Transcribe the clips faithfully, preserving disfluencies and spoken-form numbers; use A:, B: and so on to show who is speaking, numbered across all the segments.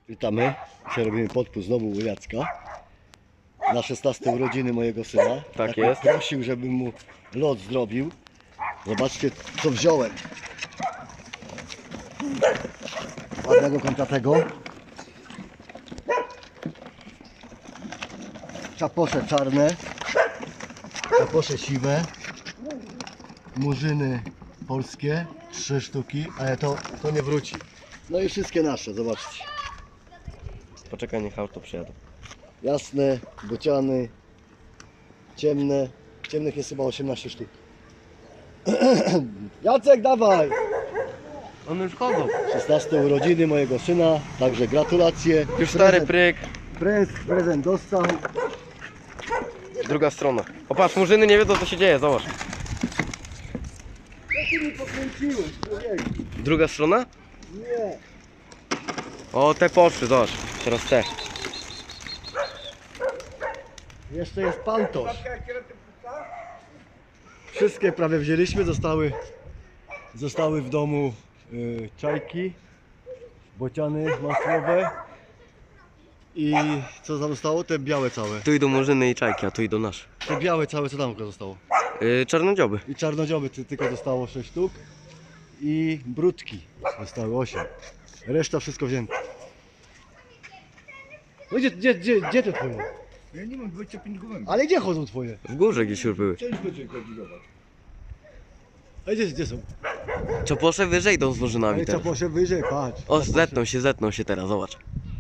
A: Witamy. Dzisiaj robimy podpór znowu u Jacka. Na szesnaste urodziny mojego syna.
B: Tak jest.
A: Prosił, żebym mu lot zrobił. Zobaczcie, co wziąłem. Ładnego kontratego. Czaposze czarne. Czaposze siwe. Murzyny polskie. Trzy sztuki, ale to, to nie wróci. No i wszystkie nasze, zobaczcie.
B: Poczekaj, niech auto przyjadą.
A: Jasne, bociany, ciemne. Ciemnych jest chyba osiemnaście sztuk. Jacek, dawaj!
B: One już chodzą.
A: szesnaste urodziny mojego syna, także gratulacje.
B: Już stary pryk.
A: Prezent, prezent dostał.
B: Druga strona. O patrz, murzyny nie wiedzą co się dzieje, zobacz.
A: Jak ty mi pokręciłeś, człowieku?
B: Druga strona?
A: Nie.
B: O, te poszły, zobacz. Teraz te.
A: Jeszcze jest pantosz. Wszystkie prawie wzięliśmy, zostały, zostały w domu y, czajki, bociany masłowe i co tam zostało? Te białe całe.
B: Tu idą murzyny i czajki, a tu idą nasze.
A: Te białe całe, co tam zostało?
B: Yy, czarnodzioby.
A: I czarnodzioby ty, tylko zostało sześć sztuk i brudki zostały osiem. Reszta wszystko wzięte. No gdzie, gdzie, gdzie, gdzie te twoje?
C: Ja nie mam dwadzieścia pięć gołębi.
A: Ale gdzie chodzą twoje?
B: W górze gdzieś już były.
C: Część będzie koordynować.
A: A gdzie, gdzie są?
B: Czoposze wyżej idą z murzynami
A: Ale
B: teraz.
A: czaposze wyżej, patrz.
B: O, zetną się, zetną się teraz, zobacz.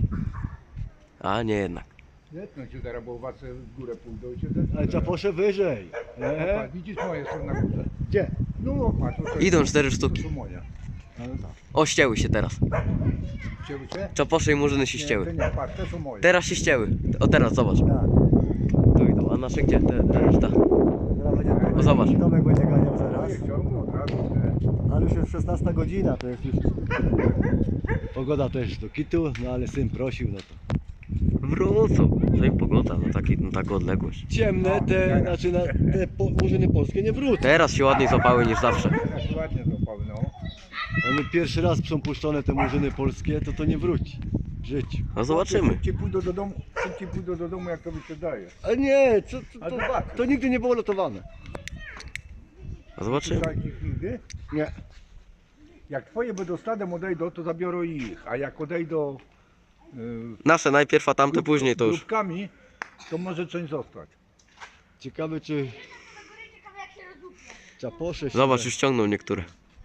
B: A nie jednak.
C: Zetną się teraz, bo owace w górę pójdą i się zetną.
A: Ale czaposze wyżej.
C: No,
A: E?
C: patrz, widzisz, moje są na górze.
A: Gdzie?
C: No patrz, to jest-
B: Idą cztery
C: to
B: sztuki.
C: są moje.
A: Ale tak.
B: O, ścięły się teraz.
C: Chciały się?
B: Czoposze i murzyny się
C: Nie, to
B: ścięły.
C: nie, patrz, te są moje.
B: Teraz się ścięły. O, teraz zobacz.
A: Tak.
B: Tu idą, a nasze gdzie? Te, te reszta.
A: Zaraz będzie Tomek,
B: O, zobacz.
A: Tomek będzie ganiał zaraz.
C: Moje ciągną od razu, nie?
A: Ale już jest szesnasta godzina, to jest już... Pogoda też do kitu, no ale syn prosił, no to...
B: Wrócą. To i pogoda na, taki, na taką odległość.
A: Ciemne te, znaczy na, te po, murzyny polskie nie wrócą.
B: Teraz się ładniej złapały niż zawsze.
C: Teraz ładnie złapały, no.
A: One pierwszy raz są puszczone te murzyny polskie, to to nie wróci w życiu.
B: No zobaczymy.
C: Szybciej pójdą do domu, szybciej pójdą do domu, jak to mi się daje.
A: Ale nie, co,
C: A
A: to, to,
C: zobacz.
A: to nigdy nie było lotowane.
B: No zobaczymy.
C: Takich nigdy.
A: Nie.
C: Jak twoje będą stadem odejdą, to zabiorą ich, a jak odejdą yy,
B: Nasze najpierw, a tamte później to już.
C: grupkami, to może część zostać.
A: Ciekawe czy... Czaposze się...
B: Zobacz, już ściągną niektóre.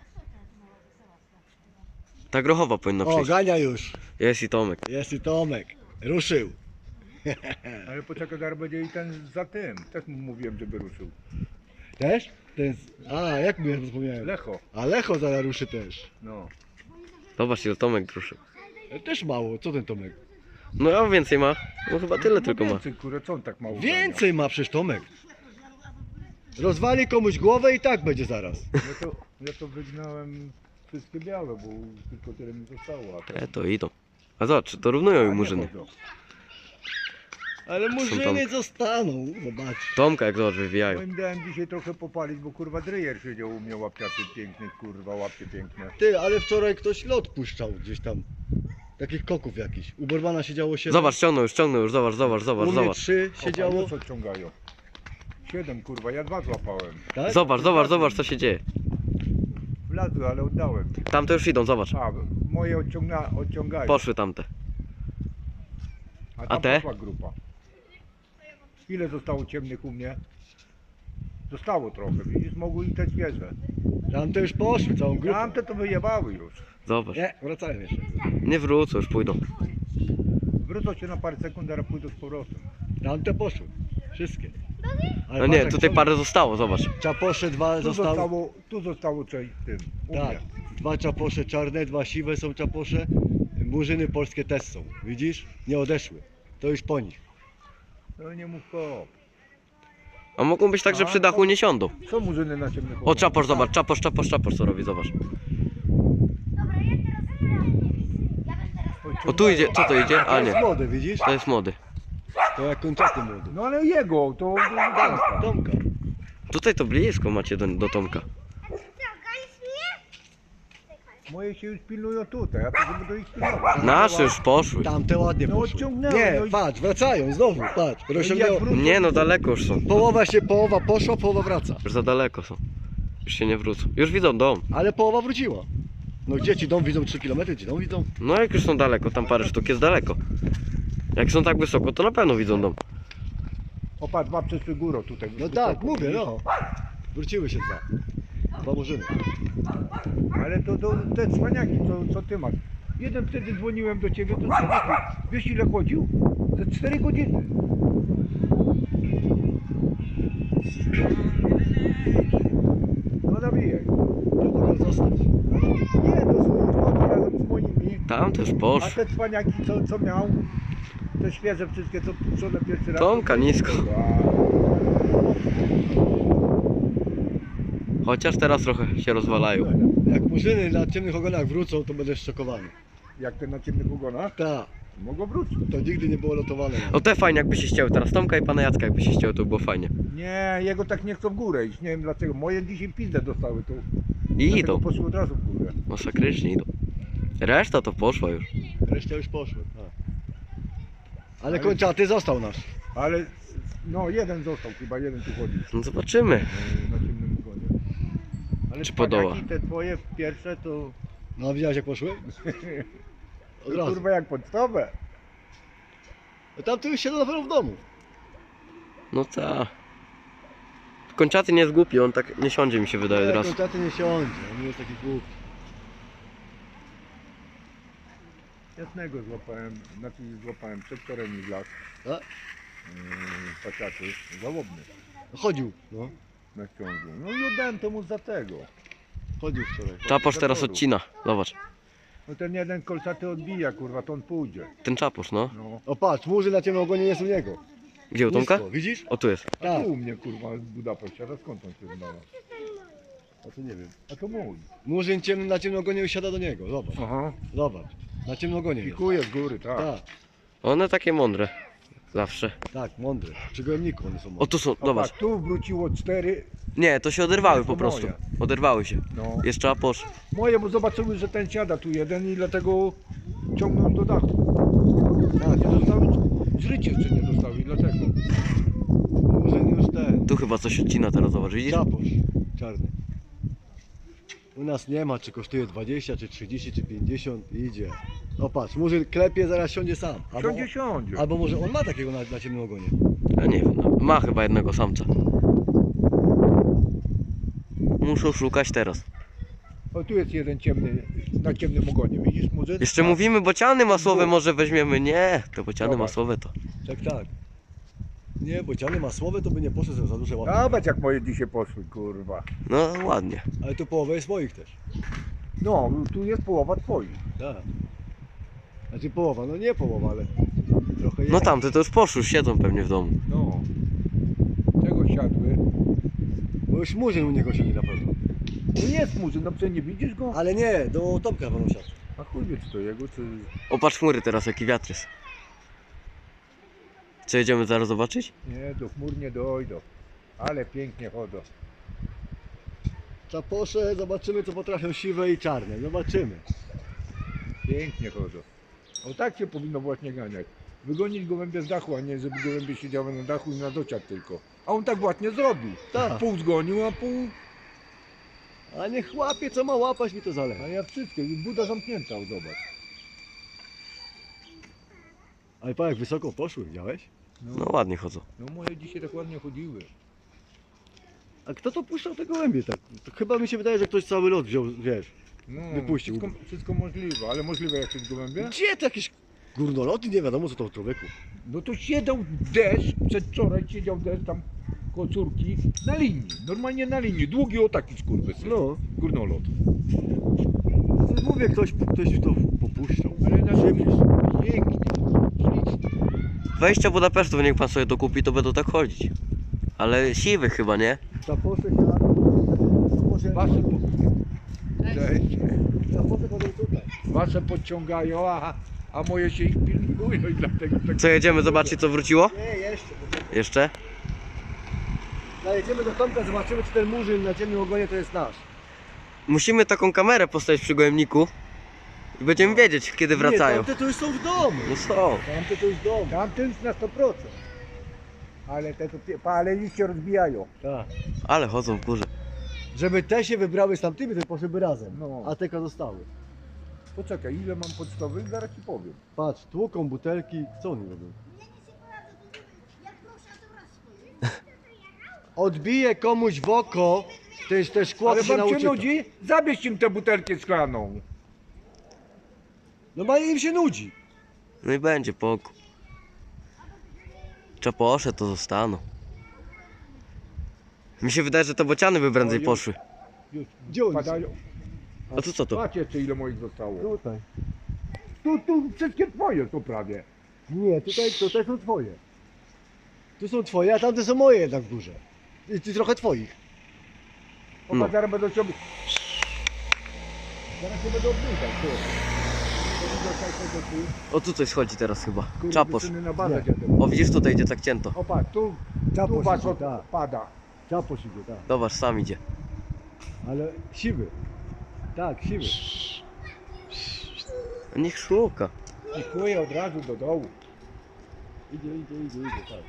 B: Ta grochowa powinna
A: O,
B: przyjść.
A: gania już.
B: Jest i Tomek.
A: Jest i Tomek. Ruszył.
C: Ale poczekaj, zaraz będzie i ten za tym. Też mu mówiłem, żeby ruszył.
A: Też? Ten... A, jak mi ja zapomniałem.
C: Lecho.
A: A Lecho zaraz ruszy też.
C: No.
B: Zobacz ile Tomek ruszył.
A: E, Też mało, co ten Tomek?
B: No a więcej ma? No chyba tyle
C: No
B: tylko ma.
C: więcej, kurę, co on tak mało
A: Więcej ma przecież Tomek. Rozwali komuś głowę i tak będzie zaraz.
C: gania? Ja to, ja to wygnałem wszystkie białe, bo tylko tyle mi zostało. A
B: Te to idą. A zobacz, to równują i murzyny.
A: Ale
B: tam-
A: murzyny zostaną, zobacz.
B: Tomka jak zobacz wywijają.
C: Moim dałem dzisiaj trochę popalić, bo kurwa drejer siedział u mnie łapciaty piękny, kurwa, łapcie piękne.
A: Ty, ale wczoraj ktoś lot puszczał gdzieś tam. Takich koków jakichś. U Bormana siedziało siedem.
B: Zobacz, ściągnął już, ściągnął już, zobacz, zobacz,
A: U
B: zobacz,
A: mnie
B: zobacz.
A: trzy siedziało.
C: Co odciągają? Siedem, kurwa, ja dwa złapałem.
A: Tak?
B: Zobacz, zobacz, zobacz co się dzieje.
C: Wlazły, ale oddałem.
B: Tamte już idą, zobacz.
C: A, moje odciąga, odciągają.
B: Poszły tamte.
C: A,
B: A
C: tam
B: te?
C: poszła grupa. Ile zostało ciemnych u mnie? Zostało trochę, widzisz, mogły i te świeże.
A: Tamte już poszły, całą grupę.
C: Tamte to wyjebały już.
B: Zobacz.
A: Nie, wracają jeszcze.
B: Nie wrócą, już pójdą.
C: Wrócą się na parę sekund, a pójdą z powrotem.
A: Tamte poszły. Wszystkie. Ale
B: No
A: patrz,
B: nie,
A: jak
B: tutaj
A: są-
B: parę zostało, zobacz.
A: Czaposze dwa
C: Tu
A: zostały.
C: zostało, tu zostało coś w tym, u
A: Tak.
C: mnie.
A: Dwa czaposze czarne, dwa siwe są czaposze. Murzyny polskie też są. Widzisz? Nie odeszły. To już po nich.
C: No nie mów kop.
B: A mogą być tak, że przy dachu nie siądą.
C: Co murzyny na ciemnych
B: O, czaposz, zobacz, czaposz, czaposz, czaposz co robi, zobacz.
D: Dobra, ja teraz ja
B: O, tu idzie, co to idzie?
A: To
B: A
A: jest
B: nie,
A: młody, widzisz?
B: to jest młody.
A: To jak kończaty młody.
C: No ale jego, to...
A: Tak, Tomka.
B: Tutaj to blisko macie do, do Tomka.
C: Moje się już pilnują tutaj, a to żeby do ich pilnować.
B: Nasze już poszły.
A: Tamte ładnie
C: No
A: poszły.
C: odciągnęły,
A: Nie,
C: no i-
A: patrz, wracają znowu, patrz. Rozciągnęło.
C: wrócą-
B: Nie no, daleko już są.
A: Połowa się, połowa poszła, połowa wraca.
B: Już za daleko są. Już się nie wrócą. Już widzą dom.
A: Ale połowa wróciła. No gdzie ci dom widzą trzy kilometry, ci dom widzą?
B: No jak już są daleko, tam parę sztuk jest daleko. Jak są tak wysoko, to na pewno widzą dom.
C: O patrz, dwa przeszły górą tutaj.
A: No
C: wysoko,
A: tak, mówię,
C: widzisz?
A: no. Wróciły się dwa. Dwa murzyny.
C: Ale to, to te cwaniaki, co, co ty masz. Jeden wtedy dzwoniłem do ciebie, to człowieku, wiesz ile chodził? Za cztery godziny. No nawijaj.
A: To mogą zostać.
C: Nie, to są chodzą razem z moimi.
B: Tam też
C: A
B: poszły.
C: te cwaniaki, co, co miał, te świeże wszystkie, co puszczone pierwszy raz.
B: Tomka nisko.
C: A,
B: Chociaż teraz trochę się rozwalają.
A: Jak murzyny na ciemnych ogonach wrócą, to będę szokowany.
C: jak te na ciemnych ogonach,
A: Tak,
C: mogą wrócić.
A: to nigdy nie było lotowane.
B: O te fajnie jakby się ścięły. Teraz Tomka i pana Jacka jakby się ścięły, to by było fajnie.
C: Nie, jego tak nie chcą w górę iść, nie wiem dlaczego. Moje dzisiaj pizdę dostały, to
B: I
C: dlatego
B: idą.
C: poszły od razu w górę.
B: Masakrycznie idą. Reszta to poszła już.
A: Reszta już poszły. Tak. Ale
C: Ale-
A: kończaty został nasz.
C: Ale no jeden został, chyba jeden tu chodzi
B: No zobaczymy.
C: e, na ciemnym ogonie. Ale
B: Czy
C: cwaniaki
B: podoła?
C: te twoje pierwsze to,
A: No widziałeś jak poszły? Od
C: to
A: razu.
C: kurwa jak podstawę.
A: No tam tu już siedzą na pewno w domu.
B: No ta. Kończaty nie jest głupi, on tak nie siądzie mi się wydaje
A: Nie,
B: od razu.
A: kończaty nie siądzie, on nie jest taki głupi.
C: Jasnego złapałem, znaczy złapałem przedwczoraj mi w las.
A: A?
C: Yy, pasiaczy, żałobny
A: Chodził, no.
C: na ciągu. No i oddałem temu za tego.
A: Chodził wczoraj.
B: Czaposz teraz odcina. Zobacz.
C: No ten jeden kolcaty odbija, kurwa, to on pójdzie.
B: Ten czaposz, no.
C: No.
A: O patrz, murzy na ciemnym ogonie jest u niego.
B: Gdzie u Tomka?
A: Nisko, widzisz?
B: O tu jest.
C: A
A: Tak.
C: tu u mnie, kurwa, z Budapeszcia, a skąd on się znalazł?
A: A to nie wiem.
C: A to mój.
A: Murzyn ciemny na ciemnym ogonie usiada do niego, zobacz.
C: Aha.
A: Zobacz. Na ciemnym ogonie jest.
C: Pikuje z góry, tak.
A: Tak,
B: One takie mądre. Zawsze.
A: tak, mądry. Przy gołębniku one są
B: O
A: mądre.
B: tu są,
C: A
B: zobacz.
C: patrz, tu wróciło cztery,
B: Nie, to się oderwały
C: To
B: po prostu.
C: moje.
B: Oderwały się.
C: no.
B: Jest czaposz.
C: Moje, bo zobaczyły, że ten siada tu jeden i dlatego ciągną do dachu.
A: Tak,
C: Nie dostały, żrycie jeszcze nie dostały i dlatego.
A: Murzyn już ten.
B: Tu chyba coś odcina teraz, zobacz, widzisz?
A: Czaposz czarny. U nas nie ma, czy kosztuje dwadzieścia, czy trzydzieści, czy pięćdziesiąt i idzie. O patrz, Murzyn klepie, zaraz siądzie sam. Albo,
C: Siądzie, siądzie.
A: albo może on ma takiego na, na ciemnym ogonie.
B: Ja nie wiem, no. Ma chyba jednego samca. Muszą szukać teraz.
C: O, tu jest jeden ciemny, na ciemnym ogonie, widzisz muzyk?
B: Jeszcze mówimy bociany masłowe może weźmiemy. Nie, te bociany
C: Zobacz.
B: masłowe to.
A: Tak, tak. Nie, bociany masłowe to by nie poszedł za duże łapy.
C: Zobacz jak moje dzisiaj poszły, kurwa.
B: No ładnie.
A: Ale tu połowa jest moich też.
C: No, tu jest połowa twoich.
A: Tak. Znaczy połowa, no nie połowa, ale trochę jest.
B: No tamte to już poszły, już siedzą pewnie w domu.
C: No. Tego siadły.
A: Bo już Murzyn u niego siedzi na pewno.
C: No jest muzyk, no przecież nie widzisz go?
A: Ale nie, do Tomka będą siadł.
C: A chuj wie czy to jego, czy...
B: Opatrz chmury teraz, jaki wiatr jest. Co, jedziemy zaraz zobaczyć?
C: Nie, do chmur nie dojdą. Ale pięknie chodzą.
A: Czaposze, zobaczymy co potrafią siwe i czarne. Zobaczymy.
C: Pięknie chodzą. O tak się powinno właśnie ganiać. Wygonić gołębie z dachu, a nie żeby gołębie siedziały na dachu i na dociach tylko. A on tak właśnie zrobił.
A: Tak.
C: Pół zgonił, a pół...
A: A niech łapie co ma łapać, mi to
C: A
A: zależy.
C: ja wszystkie. Buda zamknięta, o, zobacz.
A: Ale pa jak wysoko poszły, widziałeś?
B: No ładnie chodzą.
C: No moje dzisiaj tak ładnie chodziły.
A: A kto to puszczał te gołębie tak? To chyba mi się wydaje, że ktoś cały lot wziął, wiesz.
C: No,
A: Wypuścił.
C: Wszystko, wszystko możliwe, ale możliwe jak jest gołębie?
A: Gdzie to jakieś górnoloty? Nie wiadomo co to człowieku.
C: No to siedział deszcz, przedwczoraj siedział deszcz tam koło córki na linii, normalnie na linii, długi o taki skurwysyn,
A: No.
C: górnolot.
A: To mówię, ktoś, ktoś to popuszczał.
C: Ale na ziemi
A: Ziemi.
C: pięknie, ślicznie.
B: Wejścia Budapesztu niech pan sobie dokupi, to będą tak chodzić. Ale siwy chyba, nie?
A: Czaposze siadają. Czaposze,
C: Wasze, po... Cześć.
A: czaposze chodzą tutaj.
C: Wasze podciągają, a, a moje się ich pilnują i dlatego tak...
B: Co, jedziemy zobaczyć co wróciło?
A: Nie, jeszcze.
B: Musimy taką kamerę postawić przy gołębniku i będziemy wiedzieć, kiedy wracają.
A: Nie, tamte to już są w domu.
B: No są.
A: Tamte to już w domu.
C: Tamten już na sto procent. Ale te to, pie- ale liście rozbijają.
A: Tak.
B: Ale chodzą w górze.
A: Żeby te się wybrały z tamtymi, to poszłyby razem.
C: No.
A: A te zostały.
C: Poczekaj, ile mam pocztowych? Zaraz ci powiem.
A: Patrz, tłuką butelki. Co oni robią? Odbije komuś w oko, też te szkło
C: Ale
A: to się
C: wam się
A: nauczy.
C: nudzi? Zabierz im tę butelkę szklaną.
A: No bo im się nudzi.
B: No i będzie pokój. Czaposze to zostaną. Mi się wydaje, że te bociany by prędzej
C: Oj,
B: poszły.
C: Już
A: Gdzie oni
C: padają.
B: A tu co to?
C: Patrz jeszcze ile moich zostało.
A: Tutaj.
C: Tu, tu wszystkie twoje są prawie.
A: Nie, tutaj, tutaj są twoje. Tu są twoje, a tamte są moje jednak w górze. I ty trochę twoich.
C: O,
B: No.
C: zaraz będą się... ob- Zaraz się będą obniżać, tu.
B: O tu coś schodzi teraz chyba.
C: Kurde,
B: Czaposz.
C: syny na bazę
A: Nie.
C: dziadę.
B: O widzisz tutaj idzie tak cięto.
C: O patrz, tu, tu
A: Czaposz
C: was
A: idzie,
C: od-
A: tak.
C: pada.
A: Czaposz idzie, tak.
B: Zobacz, sam idzie.
A: Ale siwy. Tak, siwy.
B: Niech szuka.
C: I chłuje od razu do dołu.
A: Idzie, idzie, idzie, idzie, tak.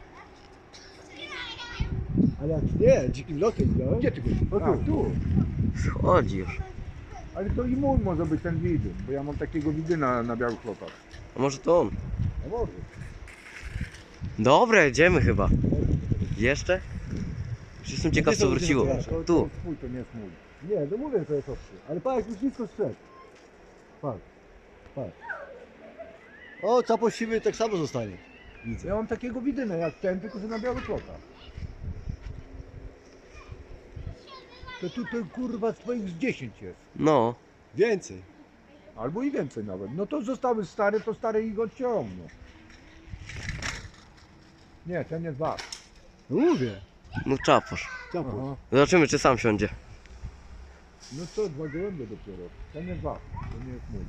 A: Ale jak nie, dzikim lotem widziałeś?
C: Gdzie ty go?
A: O tu.
C: A, tu.
B: Schodzi już.
C: Ale to i mój może być ten widyn, bo ja mam takiego widyna na białych lotach.
B: A może to on?
C: A może.
B: Dobra, jedziemy chyba. Jeszcze? Już jestem ciekaw
A: Gdzie
B: co
A: są
B: wróciło.
A: ludzie?
C: To, to
B: Tu.
C: jest twój, to nie jest mój.
A: Nie, no mówię, to jest obcy. Ale patrz, już nisko strzedł. Patrz, patrz. O, czaposz siwy tak samo zostanie. Widzę.
C: Ja mam takiego widyna jak ten, tylko że na białych lotach. To tu to, kurwa swoich z dziesięć jest.
B: No.
A: Więcej.
C: Albo i więcej nawet. No to zostały stare, to stare ich odciągną. Nie, ten jest wasz.
A: No mówię.
B: No czaposz.
A: Czaposz.
C: Aha.
B: Zobaczymy czy sam siądzie.
C: No to dwa gołębie dopiero. Ten jest wasz, to nie jest mój.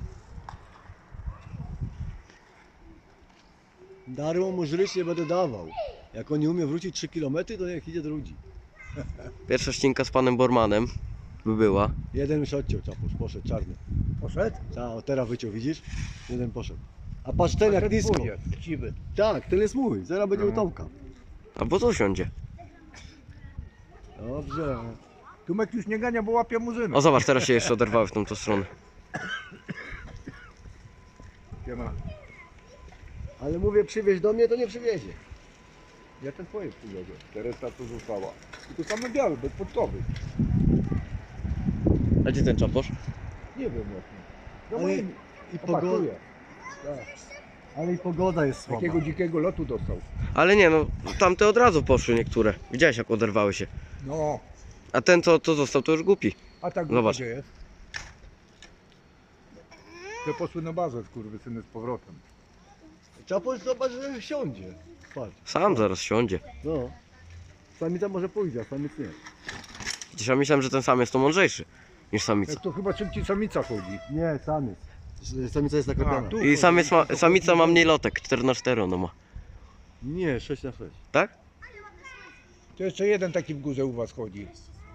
A: Darmo mu żryć nie będę dawał. Jak on nie umie wrócić trzy kilometry, to niech idzie do ludzi.
B: Pierwsza ścinka z panem Bormanem by była.
A: Jeden już odciął czaposz, poszedł czarny.
C: Poszedł?
A: Ta, o teraz wyciął, widzisz? Jeden poszedł. A patrz ten jak nisko.
C: twój jest, chciwy.
A: Tak, ten jest mój, zaraz będzie
C: No.
A: u Tomka.
B: Albo tu siądzie.
A: Dobrze.
C: Tumek już nie gania, bo łapie murzynę.
B: O zobacz, teraz się jeszcze oderwały w tą, tą stronę.
C: Siema.
A: Ale mówię, przywieź do mnie, to nie przywiezie.
C: Ja ten twoje przywiozę. Teresa tu została. Tylko same białe, bez podkowy.
B: A gdzie ten czaposz?
C: Nie wiem jak. No
A: Ale
C: moim
A: i pogoda.
C: opakuje.
A: Ale i pogoda jest słaba.
C: Takiego dzikiego lotu dostał.
B: Ale nie no, tamte od razu poszły niektóre. Widziałeś jak oderwały się.
C: No.
B: A ten co, co został to już głupi.
C: A tak
B: Zobacz.
C: gdzie jest? Te poszły na bazę, skurwysyny, z powrotem.
A: Czaposz zobacz, że siądzie. Patrz.
B: Sam zaraz siądzie.
A: No. Samica może pójdzie, a samiec nie.
B: Przecież ja myślałem, że ten sam jest to mądrzejszy niż samica.
C: Jak to chyba szybciej samica chodzi.
A: Nie, samiec. Samica jest naklepiona.
C: A, tu.
B: I samiec ma, samica ma mniej lotek, cztery na cztery ona ma.
A: Nie, sześć na sześć.
B: Tak?
C: To jeszcze jeden taki w górze u was chodzi.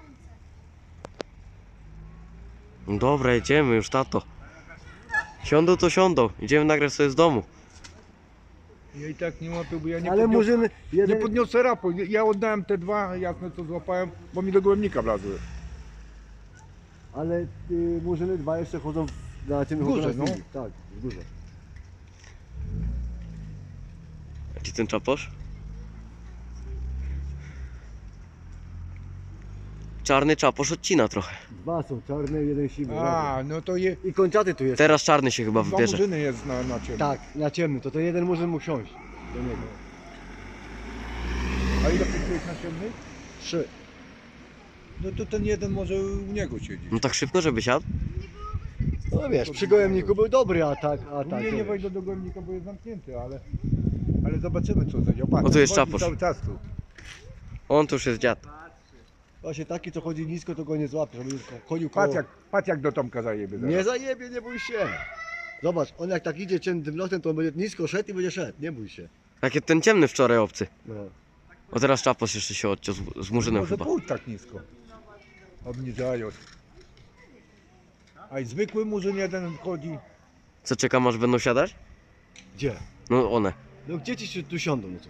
B: No dobra, jedziemy już tato. Siądą to siądą. Idziemy nagrać sobie z domu.
C: Ja i tak nie łapię, bo ja nie
A: Ale
C: podniosę,
A: murzyny,
C: nie
A: jeden,
C: podniosę rapu. Ja oddałem te dwa jasne co złapałem, bo mi do gołębnika wlazły.
A: ale y, murzyny dwa jeszcze chodzą w- na tym
C: W górze,
A: chodzą na
C: no.
A: chwili. Tak, w górze.
B: A gdzie ten czaposz? Czarny czaposz odcina trochę.
A: Dwa są czarne, jeden siwy.
C: A, no to je,
A: I kończaty tu jest.
B: Teraz czarny się chyba
C: dwa
B: wybierze.
C: murzyny jest na, na ciemno.
A: Tak, na ciemny, to ten jeden murzyn mógł siąść do niego.
C: A ile jest na ciemnej?
A: Trzy.
C: No to ten jeden może u niego siedzieć.
B: No tak szybko, żeby siadł?
A: No wiesz, przy gołębniku był dobry atak,
C: U
A: atak.
C: mnie nie
A: wiesz.
C: wejdę do gołębnika, bo jest zamknięty, ale... Ale zobaczymy co będzie. Patrz,
B: O, tu jest
C: chodzi
B: czaposz.
C: cały czas tu.
B: On to już jest dziad.
A: Właśnie taki, co chodzi nisko, to go nie złapie, żeby chodził koło.
C: Patrz jak, patrz jak do Tomka zajebie zaraz.
A: Nie zajebie, nie bój się. Zobacz, on jak tak idzie ciemnym lotem, to on będzie nisko szedł i będzie szedł, nie bój się.
B: Tak jak ten ciemny wczoraj obcy.
A: No.
B: O teraz czaposz jeszcze się odciął z, z murzynem
C: Może
B: chyba.
C: pójdź tak nisko. Obniżają. A i zwykły murzyn jeden wchodzi.
B: Co, czekam aż będą siadać?
A: Gdzie?
B: No one.
A: No gdzie ci się tu siądą? No co?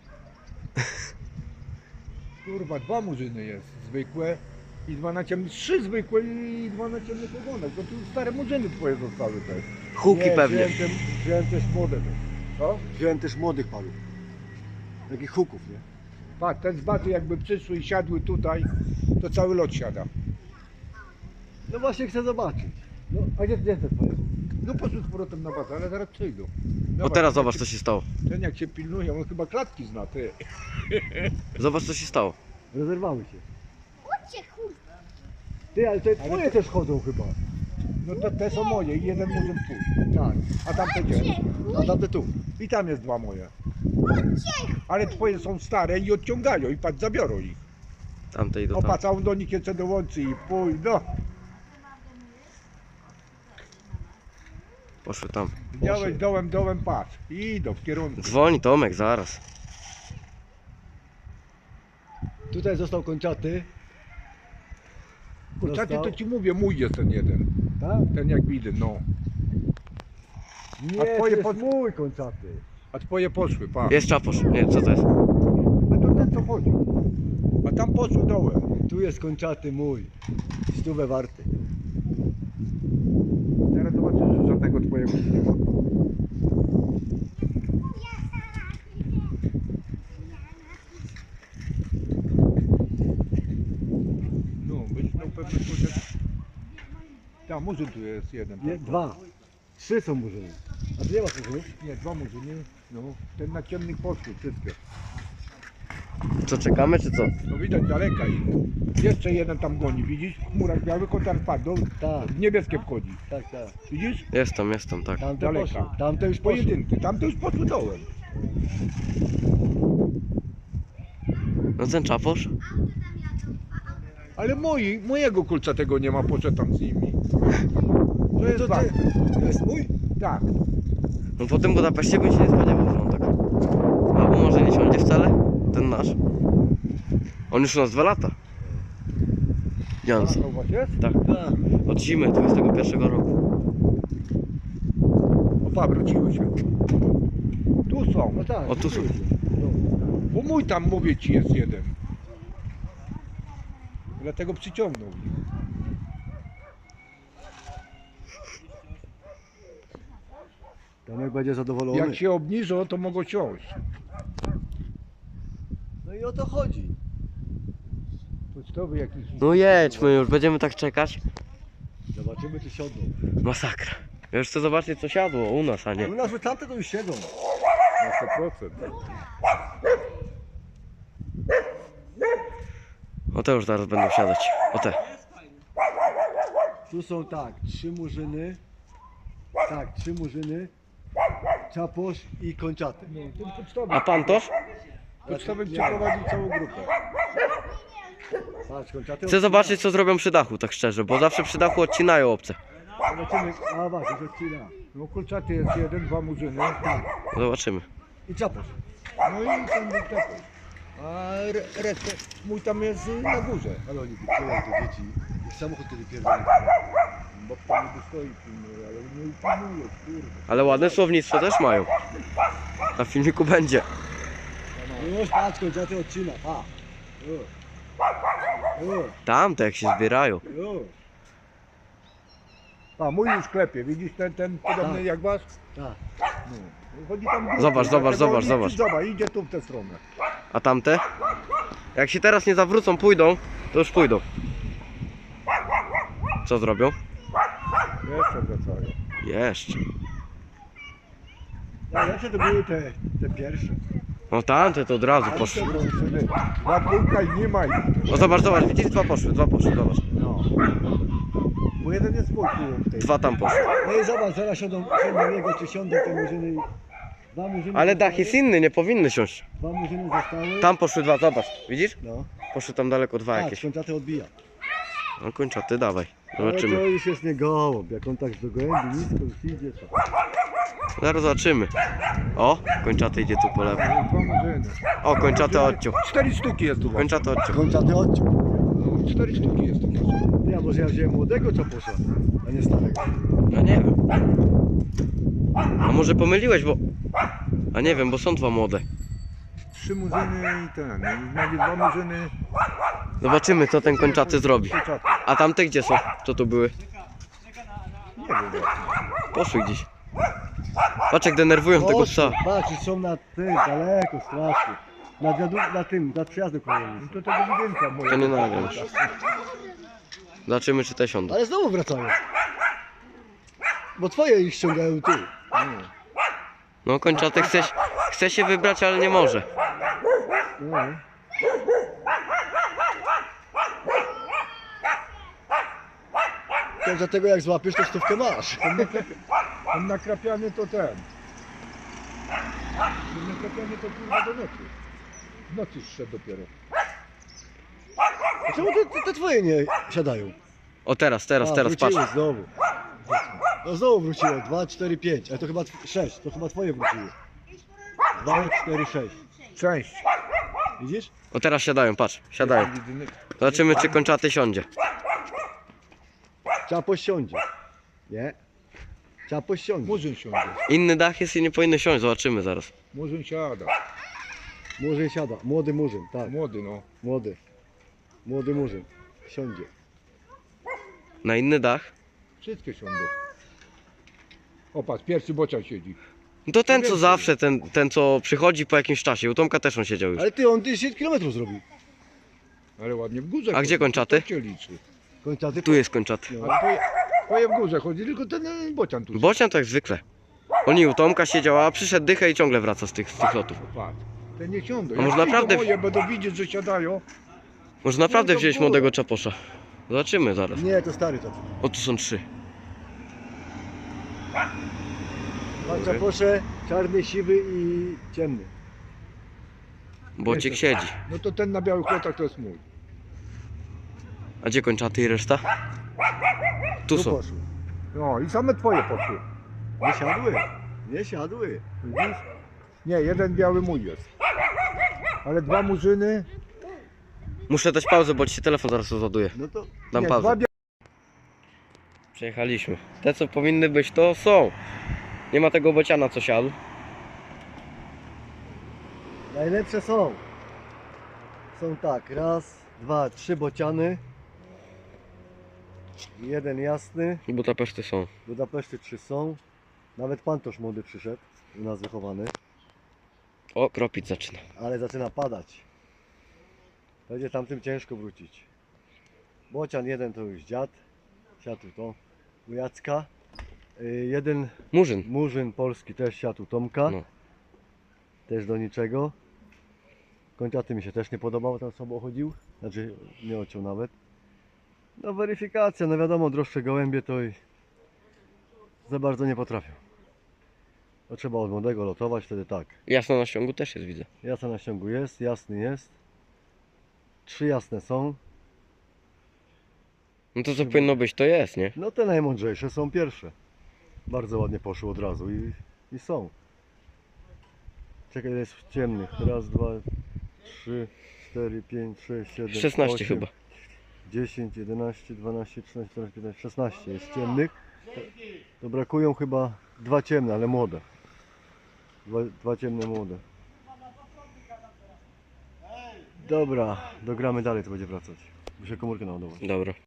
C: Kurwa, dwa murzyny jest. Zwykłe i dwa na ciemnych. Trzy zwykłe i dwa na ciemnych ogonach. To tu stare murzyny twoje zostały też.
B: Huki
A: Nie,
B: pewnie.
A: Wziąłem, tem,
C: Wziąłem też młode też. Co?
A: wziąłem też młodych paluch. Takich huków, nie?
C: Patrz, te zbaty jakby przyszły i siadły tutaj, to cały lot siada.
A: No właśnie chcę zobaczyć. No, a gdzie, gdzie te twoje?
C: No poszły z powrotem na bazę, ale zaraz przyjdą.
B: O
C: Zobacz,
B: teraz
C: ten
B: zobacz
C: jak
B: co się stało.
C: się- Ten jak się pilnuje, on chyba klatki zna, ty.
B: Zobacz co się stało.
A: Rozerwały się.
D: Chodźcie, kurwa.
A: Ty, ale te twoje też chodzą chyba.
C: No to te są moje i jeden murzyn pójść.
A: Tak.
C: A tamte gdzie?
A: A tamte tu.
C: I tam jest dwa moje. Ale twoje są stare i odciągają i patrz, zabiorą ich.
B: Tamte idą tam.
C: Opatrz, a on do nich jeszcze dołączy i pójdą.
B: Poszły tam.
C: Widziałeś dołem, dołem, patrz. I idą w kierunku.
B: Dzwoni Tomek, zaraz.
A: Tutaj został kończaty.
C: Kurczaty
A: Dostał.
C: to ci mówię, mój jest ten jeden.
A: Tak?
C: Ten jak widzę, no.
A: Nie,
C: A
A: to
C: twoje
A: jest
C: pod-
A: mój kończaty.
C: A twoje poszły, patrz.
B: Jest czaposz. Nie wiem co to jest.
C: A to ten co chodzi. A tam poszły dołem.
A: Tu jest kończaty mój. Stówę warty.
C: Teraz zobaczysz, że żadnego twojego nie ma. No, byś miał pewnie powiedzieć. Tam murzyn tu jest jeden.
A: Nie, dwa. Trzy są murzyny. A ty nie masz murzynów?
C: Nie, dwa murzyny. No, ten na ciemnych poszły wszystkie.
B: Co, czekamy czy co?
C: No widać daleka ich. Jeszcze jeden tam goni, widzisz? W chmurach białych, on tam padł.
A: Tak,
C: W niebieskie wchodzi.
A: tak, tak.
C: Widzisz?
B: Jest tam, jest tam, tak.
A: Tamte
C: Daleka.
A: poszły. Tamte już poszły.
C: Pojedynki. Tamte już poszły dołem.
B: No ten czaposz?
C: Ale moi, mojego kulca tego nie ma, poszedł tam z nimi. To jest
A: To,
C: ważne.
A: ty, to jest mój?
C: Tak.
B: No po tym Budapeszcie bym się nie spodziewał, że on tak. Albo może nie siądzie wcale? Ten nasz. On już u nas dwa lata. Jans.
C: To u was jest?
B: Tak.
A: Tak.
B: Od zimy dwudziestego pierwszego roku.
C: Opa, wróciły się. Tu są.
A: No tak.
B: O, tu są.
A: No.
C: Bo mój tam, mówię ci, jest jeden. Dlatego przyciągnął ich.
A: Tomek będzie zadowolony.
C: Jak się obniżą, to mogą siąść.
A: No i o to chodzi.
C: Pocztowy jakiś.
B: No jedźmy już, będziemy tak czekać.
A: Zobaczymy czy siądą.
B: Masakra. Ja już chcę zobaczyć co siadło u nas, a nie.
A: U nas już tamte to już siedzą.
C: Na sto procent.
B: O te już zaraz będą siadać. O te.
A: Tu są tak, trzy murzyny. Tak, trzy murzyny. Czaposz i kończaty.
C: No, ten pocztowy.
B: A pantosz?
C: Pocztowy przeprowadził całą grupę.
A: Patrz, kończaty.
B: Chcę zobaczyć co zrobią przy dachu, tak szczerze, bo zawsze przy dachu odcinają obce.
A: Zobaczymy. A właśnie, już odcina.
C: No kulczaty jest jeden, dwa murzyny. Tak.
B: Zobaczymy.
A: I czaposz.
C: No i ten był taki. A re- resztę, mój tam jest y, na górze.
A: Ale oni wypływają te dzieci. Ich samochód kiedy pierdolą.
C: Bo tam nie stoi pilnuje, ale nie upilnuje, kurde.
B: Ale ładne słownictwo też mają. Na filmiku będzie.
A: Już patrz, kończaty odcina. Pa. O. O.
B: Tamte jak się zbierają.
A: O.
C: A mój już klepie, widzisz ten, ten podobny
A: Tak.
C: jak wasz?
A: Tak.
C: No. Chodzi tam górkę,
B: Zobacz, zobacz,
C: dlatego
B: zobacz,
C: nie-
B: zobacz.
C: Zobacz, idzie tu w tę stronę.
B: A tamte? Jak się teraz nie zawrócą, pójdą, to już pójdą. Co zrobią?
C: Jeszcze wracają.
B: Jeszcze.
A: Najlepsze to były te, te pierwsze.
B: No tamte to od razu
C: Ale
B: poszły.
C: to murzyny. Dwa kulka i nie ma ich.
B: No zobacz, zobacz, widzisz? Dwa poszły, dwa poszły, zobacz.
A: No. Bo jeden jest mój tu w tej.
B: Dwa tam poszły.
A: No i zobacz, zaraz siądą, siądą jego, czy siądą te murzyny. i- Dwa murzyny
B: Ale
A: zostały,
B: dach jest inny, nie powinny siąść.
A: Dwa murzyny zostały.
B: Tam poszły dwa, zobacz. Widzisz?
A: No.
B: Poszły tam daleko dwa
A: Tak,
B: jakieś.
A: kończaty odbija.
B: No kończaty, dawaj.
A: Ale to
B: Zobaczymy.
A: już jest nie gołąb. Jak on tak do gołębi nisko już idzie, to...
B: Zaraz zobaczymy. O, kończaty idzie tu po lewo.
C: Dwa murzyny.
B: O, kończaty odciął.
C: Cztery sztuki jest tu.
B: Kończaty odciął.
A: Kończaty odciął.
C: No, cztery sztuki jest to.
A: Ja może ja wziąłem młodego czaposza, a nie starego.
B: No nie wiem. A może pomyliłeś, bo... A nie wiem, bo są dwa młode.
C: Trzy murzyny i ten. Nawet dwa murzyny.
B: Zobaczymy, co ten kończaty zrobi.
C: Kurczaty.
B: A tamte gdzie są? Co tu były?
C: Nie wiem.
B: Poszły gdzieś. Patrz jak denerwują tego psa.
A: Patrz, są na tym, daleko, strasznie. Na, wiadu, na tym, na przyjazdu kolejnym.
C: No to tego budynka moja.
B: To nie nagram. Zobaczymy, czy te siądą.
A: Ale znowu wracają. Bo twoje ich ściągają tu.
B: No kończaty chce, chce się wybrać, ale nie może.
A: No. To dlatego jak złapiesz, to stówkę masz.
C: Ten nakrapiany to ten. Ten nakrapiany to kurwa do nocy. W nocy szedł dopiero.
A: A czemu te, te, te twoje nie siadają?
B: O teraz, teraz,
A: A,
B: teraz, patrz.
A: wróciły znowu. No znowu wróciło. dwa, cztery, pięć. Ale to chyba sześć. To chyba twoje wróciły. dwa, cztery, sześć.
C: Część.
A: Widzisz?
B: O teraz siadają, patrz, siadają. Zobaczymy, czy kończaty siądzie.
A: Czapo siądzie. Nie? Czapo siądzie.
C: Murzyn siądzie.
B: Inny dach jest i nie powinny siąść, zobaczymy zaraz.
C: Murzyn siada.
A: Murzyn siada. Młody murzyn, tak.
C: Młody no.
A: Młody. Młody murzyn. Siądzie.
B: Na inny dach?
C: Wszystkie siądą. O patrz, pierwszy bocian siedzi.
B: No to ten co zawsze, ten, ten co przychodzi po jakimś czasie. U Tomka też on siedział już.
A: Ale ty, on dziesięć kilometrów zrobił.
C: Ale ładnie w górze
B: A
C: chodzi.
B: gdzie kończaty?
C: To cię liczy.
A: Kończaty.
B: Tu jest kończaty.
A: No.
C: A twoje, twoje w górze chodzi, tylko ten e, bocian tu.
B: Bocian to jak zwykle. Oni u Tomka siedział, a przyszedł dychę i ciągle wraca z tych, z tych lotów.
C: Patrz. Te nie siądą.
B: A może
C: Jak
B: naprawdę-
C: przyjdą moje będą widzieć, że siadają.
B: Może naprawdę
C: No to
B: wziąć
C: było.
B: młodego czaposza. Zobaczymy zaraz.
A: Nie, to stary czap.
B: O, tu są trzy.
A: Pan czaposze, czarny, siwy i ciemny.
B: Bociek siedzi.
C: No to ten na białych lotach to jest mój.
B: A gdzie kończaty i reszta? Tu
A: Tu
B: są.
A: poszły.
C: No i same twoje poszły.
A: Nie siadły. Nie siadły.
C: Widzisz? Nie, jeden biały mój jest. Ale dwa murzyny.
B: Muszę dać pauzę, bo ci się telefon zaraz rozładuje.
A: No to
B: Dam
C: nie,
B: pauzę.
C: dwa bia...
B: Przejechaliśmy. Te co powinny być to są. Nie ma tego bociana co siadł.
A: najlepsze są. Są tak, raz, dwa, trzy bociany. Jeden jasny.
B: Budapeszty są.
A: Budapeszty trzy są. Nawet pantosz młody przyszedł. U nas wychowany.
B: O, kropić zaczyna.
A: Ale zaczyna padać. Będzie tamtym ciężko wrócić. Bocian jeden to już dziad. Siadł to u Jacka. Y, Jeden
B: Murzyn.
A: murzyn polski też siadł u Tomka.
B: No.
A: Też do niczego. Kończaty mi się też nie podobał, tam sobą chodził. Znaczy nie ociął nawet. No weryfikacja, no wiadomo, droższe gołębie to i za bardzo nie potrafią. To trzeba od młodego lotować, wtedy tak.
B: Jasno na ściągu też jest, widzę.
A: Jasna na ściągu jest, jasny jest. Trzy jasne są.
B: No to co powinno być, to jest, nie?
A: No te najmądrzejsze są pierwsze. Bardzo ładnie poszły od razu i, i są. Czekaj, jest w ciemnych. Raz, dwa, trzy, cztery, pięć, sześć, siedem,
B: szesnaście
A: osiem,
B: chyba.
A: dziesięć, jedenaście, dwanaście, trzynaście, czternaście, piętnaście, szesnaście jest ciemnych. To, to brakują chyba dwa ciemne, ale młode. Dwa, dwa ciemne młode. Dobra, dogramy dalej, to będzie wracać. Muszę komórkę naładować.
B: Dobra.